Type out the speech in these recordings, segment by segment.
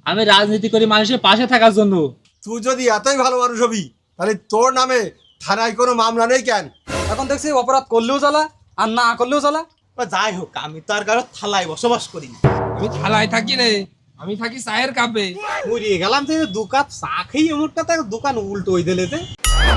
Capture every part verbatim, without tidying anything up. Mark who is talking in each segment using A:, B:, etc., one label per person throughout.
A: আমি রাজনীতি করি মানুষের পাশে থাকার জন্য।
B: তুই যদি এতই ভালো মানুষ হবি তাহলে তোর নামে থানায় কোনো মামলা নেই কেন?
C: এখন দেখছি অপরাধ করলেও জ্বালা আর না করলেও জ্বালা।
D: যাই হোক, আমি তো আর কারো থালায় বসবাস করি না।
E: আমি থালায় থাকি রে, আমি থাকি চায়ের কাপে।
D: মরিয়ে গেলাম তো দু কাপ চা খেয়ে এমন কথা দোকান উল্টো হয়ে দিলে যে।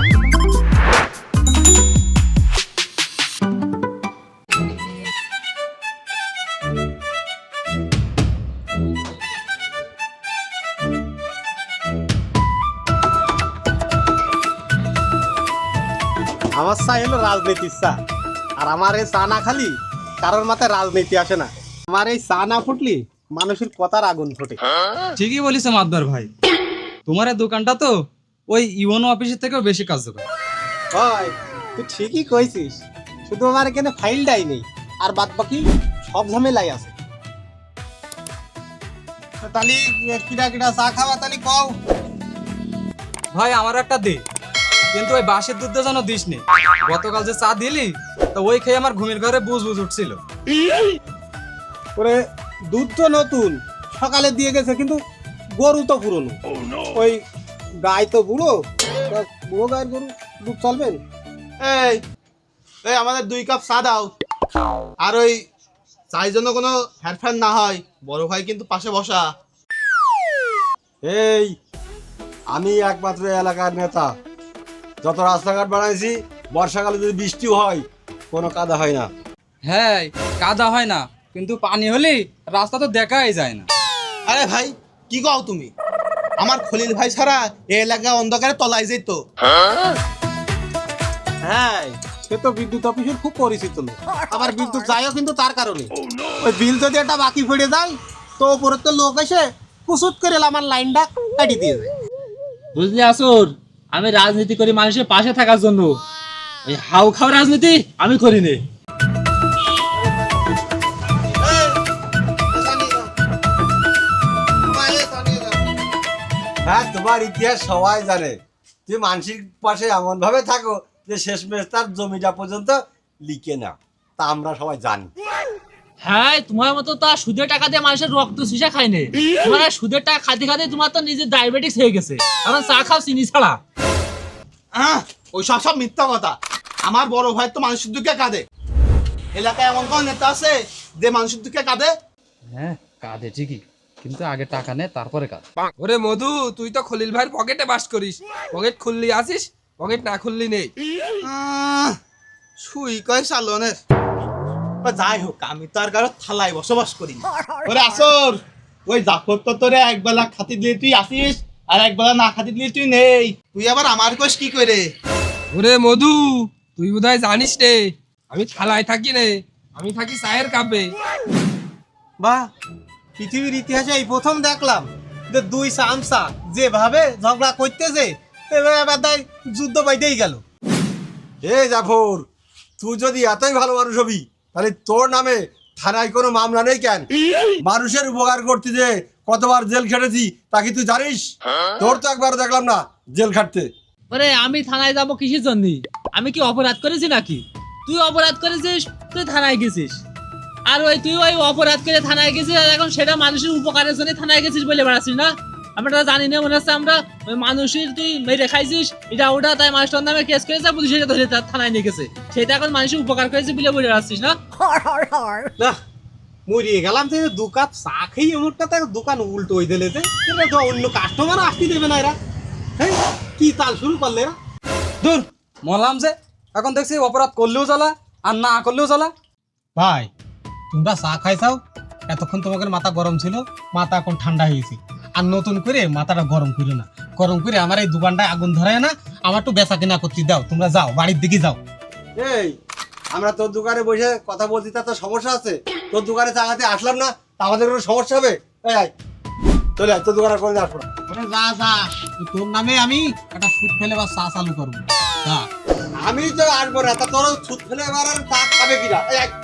D: আমার চা হলো রাজনীতির চা, আর আমার এই চা না খালি কারোর মাথায় রাজনীতি আসে না। আমার এই চা না ফুটলি মানুষের কথার আগুন ফোটে।
C: ঠিকই বলিস মাদবার ভাই, তোমার এই দোকানটা তো ওই ইউনো অফিসের থেকেও বেশি কার্যকর।
D: হয়, তুই ঠিকই কইছিস, শুধু আমার এখানে ফাইলটাই নেই, আর বাদ বাকি সব ঝামেলাই আছে। তাহলে কিরা কিরা চা খাওয়া তাহলে কও।
C: ভাই আমার একটা দে, কিন্তু ওই বাঁশের দুধটা যেন দিস নি। গতকাল যে চা দিলি তো ওই খেয়ে আমার ঘুমের ঘরে বুঝ বুঝ উঠছিল।
D: ওরে দুধ তো নতুন সকালে দিয়ে গেছে, কিন্তু গরু তো পুরনো। ওই গাই তো বুড়ো, তা বুড়ো গায়ের গরু দুধ চলবেন? এই এই আমাদের দুই কাপ চা দাও, আর ওই চাই জন্য কোনো হেরফের না হয়। বড় ভাই কিন্তু পাশে বসা।
B: এই আমি একমাত্র এলাকার নেতা, যত রাস্তাঘাট বানাইছি বর্ষাকালে যদি বৃষ্টি হয় কোনো কাদা হয় না।
C: হ্যাঁ কাদা হয় না, কিন্তু পানি হলে রাস্তা তো দেখাই যায় না।
D: আরে ভাই কি কও তুমি? আমার খলিল ভাই ছাড়া এই এলাকা অন্ধকারে তলায় যেত। হ্যাঁ, সে তো বিদ্যুৎ অফিসের খুব পরিচিত লোক। আবার বিদ্যুৎ যায়ও কিন্তু তার কারণে। ওই বিল যদি একটা বাকি পড়ে যায় তো উপরে তো লোক এসে কুসুত করে আমার লাইনটা কাটি দিয়ে যায়।
A: বুঝলি আসর, আমি রাজনীতি করি মানুষের পাশে থাকার জন্য। এই হাউ খাও রাজনীতি আমি করি নে।
B: হ্যাঁ, তোমার ইতিহাস সবাই জানে। তুমি মানসিক পাশে এমন ভাবে থাকো যে শেষমেশ তার জমিটা পর্যন্ত লিখে নাও, তা আমরা সবাই জানি।
A: হ্যাঁ, তোমার মতো তো আর সুদের টাকা দিয়ে মানুষের রক্ত চুষে খায় নে। তোমার আর সুদের টাকা খাতে খাতে তোমার তো নিজের ডায়াবেটিস হয়ে গেছে, এখন চা খাও চিনি ছাড়া।
D: আহ, ওই সব সব মিথ্যা কথা। আমার বড় ভাই তো মানুষের দুঃখে কাঁদে। এলাকায় এমন কোন নেতা আছে যে মানুষের দুঃখে কাঁদে?
C: হ্যাঁ কাঁদে ঠিকই, কিন্তু আগে টাকা নে তারপরে কাঁদ।
E: ওরে মধু, তুই তো খলিল ভাইয়ের পকেটে বাস করিস। পকেট খুললি আসিস, পকেট না খুললি নেই।
D: আহ, সুই কয় সালনের। বা যাই হোক, আমি তো আর কারো থালায় বসবাস করি না। ওরে আসর, ওই জাফর তো তোরে একবেলা খাতি দিলে তুই আসিস, আর একবেলা না খাতি দিলে তুই নেই। তুই আবার আমার কোষ কি করে?
E: ওরে মধু, তুই বোধহয় জানিস রে, আমি থালায় থাকি রে, আমি থাকি চায়ের কাপে।
D: বাহ, পৃথিবীর ইতিহাসে এই প্রথম দেখলাম যে দুই সামসা যেভাবে ঝগড়া করতেছে এবার যুদ্ধ বাইতেই গেল।
B: এ জাফর, তুই যদি এতই ভালো মানুষ হবি তাহলে তোর নামে থানায় কোনো মামলা নেই কেন? মানুষের উপকার করতে যে কতবার জেল খেটেছি তা কি তুই জানিস? তোর তো একবার দেখলাম না জেল খাটতে।
A: ওরে আমি থানায় যাবো কিসের জন্য? আমি কি অপরাধ করেছি নাকি? তুই অপরাধ করেছিস, তুই থানায় গেছিস। আর ওই তুই ওই অপরাধ করে থানায় গেছিস, আর এখন সেটা মানুষের উপকারের জন্য থানায় গেছিস বলে বেড়াচ্ছিস না? আমরা জানি না, মনে হচ্ছে আমরা ওই মানুষের তুই মেরে খাইছিস এটা ওটা, তাই মানুষটার নামে কেস করেছে, পুলিশ এটা ধরে তার থানায় নিয়ে গেছে। সেটা এখন মানুষের উপকার করেছে বলে বলে বেড়াচ্ছিস না?
D: না, মরিয়ে গেলাম তো দু কাপ চা খেয়ে এমন কথা দোকান উল্টো হয়ে দিলে যে এরা তো অন্য কাস্টমার আসতে দেবে না। এরা হ্যাঁ কি তাল শুরু করলে এরা?
C: দূর মলাম যে, এখন দেখছি অপরাধ করলেও জ্বালা আর না করলেও জ্বালা।
D: ভাই তোমরা চা খাইছাও, এতক্ষণ তোমাদের মাথা গরম ছিল, মাথা এখন ঠান্ডা হয়েছে। আর নতুন করে মাথাটা গরম করে না, গরম করে আমার এই দোকানটায় আগুন ধরায় না, আমার একটু বেচা কেনা করতে দাও। তোমরা যাও, বাড়ির দিকে যাও।
B: এই আমরা তোর দোকানে বসে কথা বলছি, তা তোর সমস্যা আছে? তোর দোকানে চালাতে আসলাম না তা আমাদের কোনো সমস্যা হবে? এই আয়, চলে আয়, তোর দোকানে করে আসবো না।
D: ওরে যা যা, তোর নামে আমি একটা সুদ ফেলে বা চা চালু করবো। যা।
B: আমি তো আসবো না, তা তোর ছুট ফেলে এবার আর তা খাবে কিনা? এই আয়।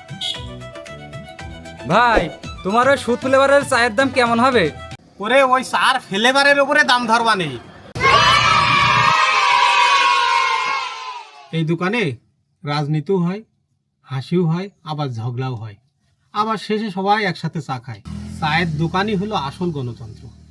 C: ভাই তোমার ওই সুদ ফ্লেভারের চায়ের দাম কেমন হবে?
D: ওরে ওই চার ফ্লেভারের উপরে দাম ধরবা নেই। এই দোকানে রাজনীতিও হয়, হাসিও হয়, আবার ঝগড়াও হয়, আবার শেষে সবাই একসাথে চা খায়। চায়ের দোকানই হলো আসল গণতন্ত্র।